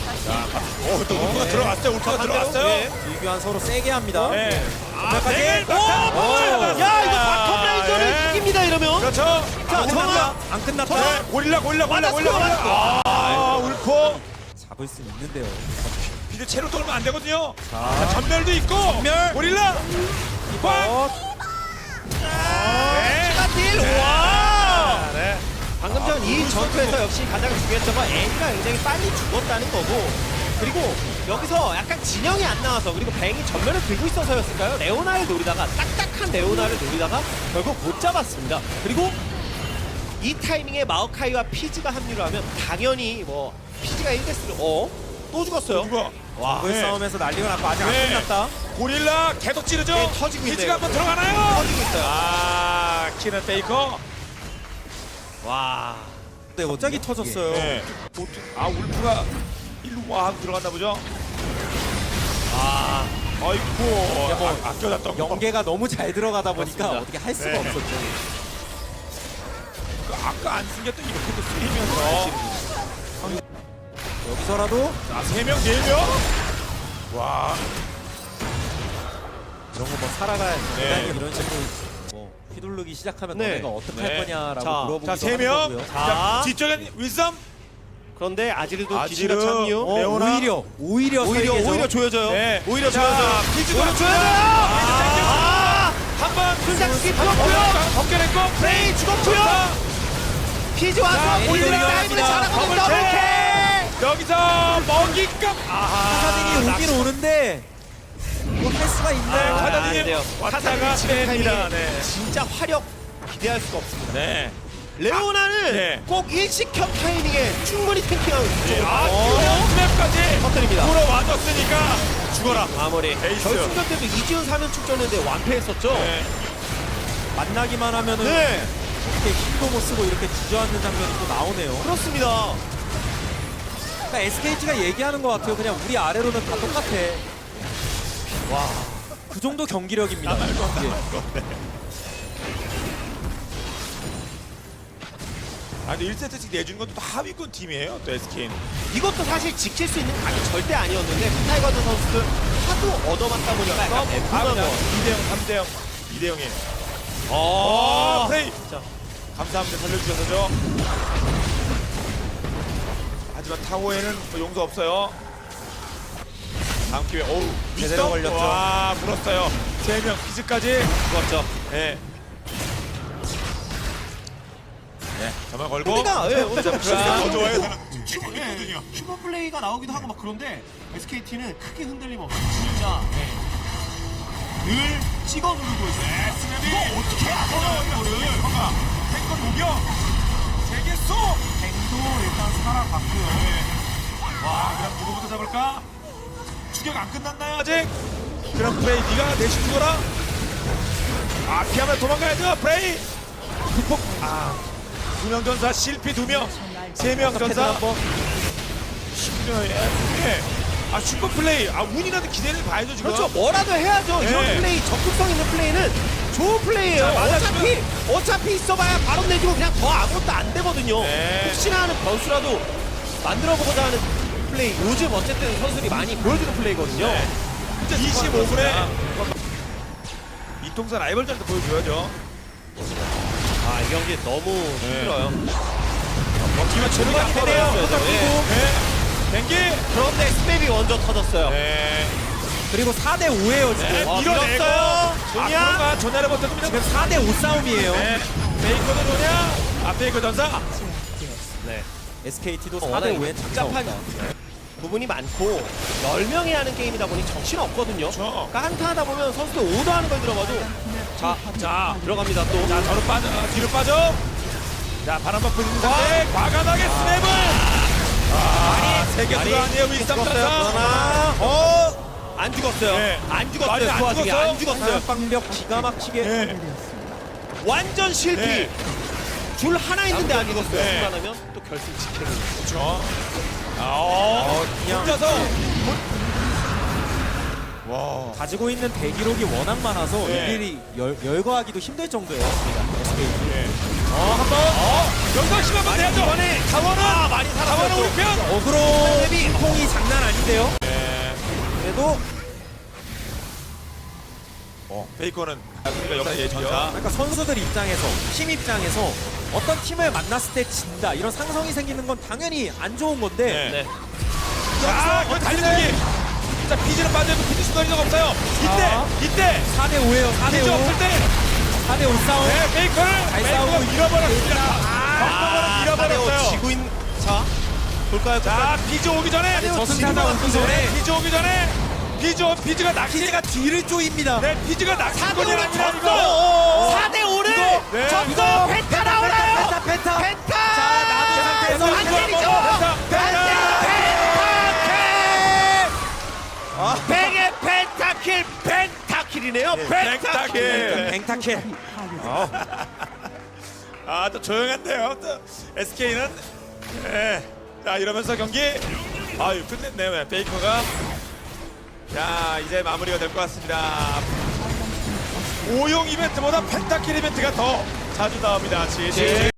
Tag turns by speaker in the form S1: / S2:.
S1: 또 울프가 들어갔어요. 울프가 들어갔어요.
S2: 네.
S3: 이규환 서로 세게 합니다.
S1: 네.
S2: 네.
S1: 야,
S2: 이거 바텀 라인전을 이깁니다 이러면.
S1: 그렇죠.
S2: 자, 정아.
S3: 안 끝났다.
S1: 네. 고릴라. 울프.
S3: 잡을 수 있는데요.
S1: 비드 채로 돌면 안 되거든요. 자, 전멸도 있고. 전멸. 고릴라. 꽉. 네.
S2: 딜. 와.
S1: 네.
S2: 방금 전 이 전투에서 역시 가장 중요했던 건 애니가 굉장히 빨리 죽었다는 거고, 그리고 여기서 약간 진영이 안 나와서, 그리고 뱅이 전면을 들고 있어서였을까요? 레오나를 노리다가 딱딱한 레오나를 노리다가 결국 못 잡았습니다. 그리고 이 타이밍에 마오카이와 피즈가 합류를 하면 당연히 뭐 피즈가 1대스를 또 죽었어요.
S1: 누가?
S2: 와,
S3: 그
S1: 네.
S3: 싸움에서 난리가 났고 아직
S1: 네.
S3: 안 끝났다.
S1: 고릴라 계속 찌르죠.
S2: 네, 터지고 있네요.
S1: 피지가 한번 들어가나요?
S2: 터지고 있어요.
S1: 아, 키는 페이커.
S2: 와.
S3: 네, 갑자기 터졌어요.
S1: 네. 울프가 일로 와 하고 들어갔나 보죠.
S2: 아,
S1: 아이고. 아껴놨던 거.
S3: 연계가 너무 잘 들어가다 보니까
S2: 맞습니다.
S3: 어떻게 할 수가
S1: 네.
S3: 없었죠.
S1: 아까 안 숨겼던 이렇게도 쓰이면서.
S3: 여기서라도
S1: 자, 3명, 4명. 와.
S3: 이런 거 뭐 살아가야
S1: 네.
S3: 이런 식으로 뭐 휘둘르기 시작하면
S2: 네.
S3: 너네가 어떻게
S1: 네.
S3: 할 거냐라고
S2: 자,
S3: 물어보기도
S1: 자,
S3: 하는
S1: 3명.
S3: 거고요.
S1: 자, 뒤쪽엔 윌썸.
S2: 그런데 아지르도
S1: 아지르.
S2: 기지가 참유.
S1: 레오나.
S3: 오히려
S2: 오히려 조여져요.
S1: 네.
S2: 오히려
S1: 자,
S2: 조여져요.
S1: 피지가
S2: 오히려 조여져요.
S1: 한번
S2: 풀장스키 죽었고요.
S1: 벗겨냈고.
S2: 프레이 죽었고요. 피지 와서
S1: 자,
S2: 올리는
S3: 올리는
S2: 타임을
S3: 합니다.
S2: 잘하거든요.
S1: 더블킥.
S2: 더블킥.
S1: 여기서 먹잇감.
S3: 카사딘이 오긴 오는데 뭐 할 수가 있나요?
S1: 네,
S2: 안
S1: 카사딘이
S2: 돼요.
S1: 왔다가
S2: 카사딘
S1: 뺍니다.
S2: 타이밍에
S1: 네.
S2: 진짜 화력 기대할 수가 없습니다.
S1: 네.
S2: 레오나는
S1: 네.
S2: 꼭 일식형 타이밍에 충분히 탱킹하고 있죠.
S1: 스맵까지
S2: 터뜨립니다.
S1: 돌아와줬으니까 죽어라.
S2: 마무리.
S1: 에이스.
S2: 결승전 때도 이지훈 4면 출전했는데 완패했었죠.
S1: 네.
S3: 만나기만 하면은
S2: 네.
S3: 이렇게 힘도 못 쓰고 이렇게 주저앉는 장면이 또 나오네요.
S2: 그렇습니다.
S3: 그러니까 SKT가 얘기하는 것 같아요. 그냥 우리 아래로는 다 똑같아. 와, 그 정도 경기력입니다. 예.
S1: 아, 근데 1세트씩 내주는 것도 하위권 팀이에요. 또 SK는.
S2: 이것도 사실 지킬 수 있는 각이 절대 아니었는데 스타이거드 선수들 하도 얻어맞다 보니까 약간 애품한 거.
S1: 2대0, 3대0, 2대0이에요. 프레이.
S2: 자,
S1: 감사합니다. 살려주셔서죠. 하지만 타워에는 뭐 용서 없어요. 다음 기회. 어우,
S3: 제대로
S1: 윗선?
S3: 걸렸죠.
S1: 와, 물었어요. 3명 피즈까지.
S2: 죽었죠.
S1: 네. 네, 저만 걸고.
S2: 우리가
S1: 더 좋아요.
S2: 슈퍼 플레이가 나오기도 하고 막 그런데 SKT는 크게 흔들림 없이 진짜 늘 찍어 누르고 있어요.
S1: 이거 어떻게 알아요, 이거를. 봐봐. 탱건 녹여. 세개 쏘.
S2: 도 일단 살아갔고요.
S1: 와, 그럼 누구부터 잡을까? 추격 안 끝났나요, 아직? 그럼 프레이, 네가 대신 죽어라. 아, 피하면 도망가야죠, 프레이. 극복. 아, 2명 전사, 실패 2명, 3명 전사.
S3: 한번
S1: 예. 아, 슈퍼 플레이. 아, 운이라도 기대를 봐야죠, 지금.
S2: 그렇죠. 뭐라도 해야죠.
S1: 네.
S2: 이런 플레이, 적극성 있는 플레이는 좋은 플레이예요.
S1: 자, 맞아주면-
S2: 어차피 있어봐야 바로 내주고 그냥 더 아무것도 안 되거든요.
S1: 네.
S2: 혹시나 하는 변수라도 만들어보고자 하는 플레이. 요즘 어쨌든 선수들이 많이 보여주는 플레이거든요.
S1: 25분에 이통사 라이벌전도 보여줘야죠.
S2: 아, 이 경기 너무 힘들어요.
S1: 먹기만
S2: 체력이 되네요.
S1: 네. 경기.
S2: 그런데 스맵이 먼저 터졌어요.
S1: 네.
S3: 그리고 4대 5예요 지금.
S1: 네,
S2: 와,
S1: 밀어내고.
S2: 밀었어요.
S1: 조냐? 아, 전화를 버텨줍니다.
S3: 지금 4대 5 싸움이에요.
S1: 네. 페이커도 조냐? 아, 페이커 전사.
S2: 네.
S3: SKT도
S2: 워낙
S3: 4대 5에
S2: 복잡한 부분이 많고 10명이 하는 게임이다 보니 정신 없거든요.
S1: 그렇죠.
S2: 그러니까 한타 하다 보면 선수들 오더하는 걸 들어봐도 자 들어갑니다 또.
S1: 자, 저로 빠져. 뒤로 빠져. 자, 바람박 불리는 상태. 과감하게 스냅을. 아, 세개 수가 아니에요. 윌썸 전사.
S2: 그러나 안 죽었어요.
S1: 네.
S2: 안 죽었어요.
S1: 많이 안
S2: 그 와중에
S1: 죽었어요?
S2: 안 죽었어요.
S3: 방벽 기가 막히게.
S1: 네.
S2: 완전 실패.
S1: 네.
S2: 줄 하나 있는데 안 죽었어요.
S1: 네.
S2: 순간하면 또 결승 직행이.
S1: 그렇죠.
S3: 그냥
S1: 혼자서. 와.
S3: 가지고 있는 대기록이 워낙 많아서
S1: 네.
S3: 일일이 열거하기도 힘들 정도예요. SKT.
S1: 예. 한번. 영상 심하면 돼야죠.
S2: 이번에
S1: 자원은.
S2: 많이
S1: 자원은 우리
S2: 살았어요.
S1: 편.
S3: 어그로
S2: 이
S3: 진통이 장난 아닌데요.
S1: 네.
S3: 그래도
S1: 페이커는 우리가 역사의 전사.
S3: 그러니까 선수들 입장에서 팀 입장에서 어떤 팀을 만났을 때 진다 이런 상성이 생기는 건 당연히 안 좋은 건데
S1: 네. 자, 이거 달리기. 자, 피지는 빠져있고 피지 수도리가 없어요. 이때
S3: 4대 5예요. 4대
S1: 피지
S3: 5.
S1: 없을 때
S3: 4대 5 싸움.
S1: 네, 페이커를
S3: 잘
S1: 페이커가
S3: 싸우고
S1: 잃어버렸습니다. 경험을 잃어버렸어요.
S2: 지구인 자 볼까요?
S1: 자, 피지 오기 전에
S3: 저승사자 오기 전에
S1: 피지 오기 전에 피지가 낚시
S3: 피지가 뒤를 쪼입니다.
S1: 네, 피지가 낚시꾼이
S2: 4대5를
S1: 아니라 이거.
S2: 졌어. 4대5를
S1: 네.
S2: 졌어. 펜타 나오나요?
S3: 펜타.
S2: 펜타.
S3: 자, 나도 상태에서
S2: 한길이죠. 펜타킬. 펜타킬. 펜타킬이네요. 펜타킬.
S1: 뱅타킬. 아, 또 조용한데요. 또 SK는 자, 이러면서 경기 아유, 끝냈네요. 베이커가 자, 이제 마무리가 될 것 같습니다. 5용 이벤트보다 펜타킬 이벤트가 더 자주 나옵니다. 지지.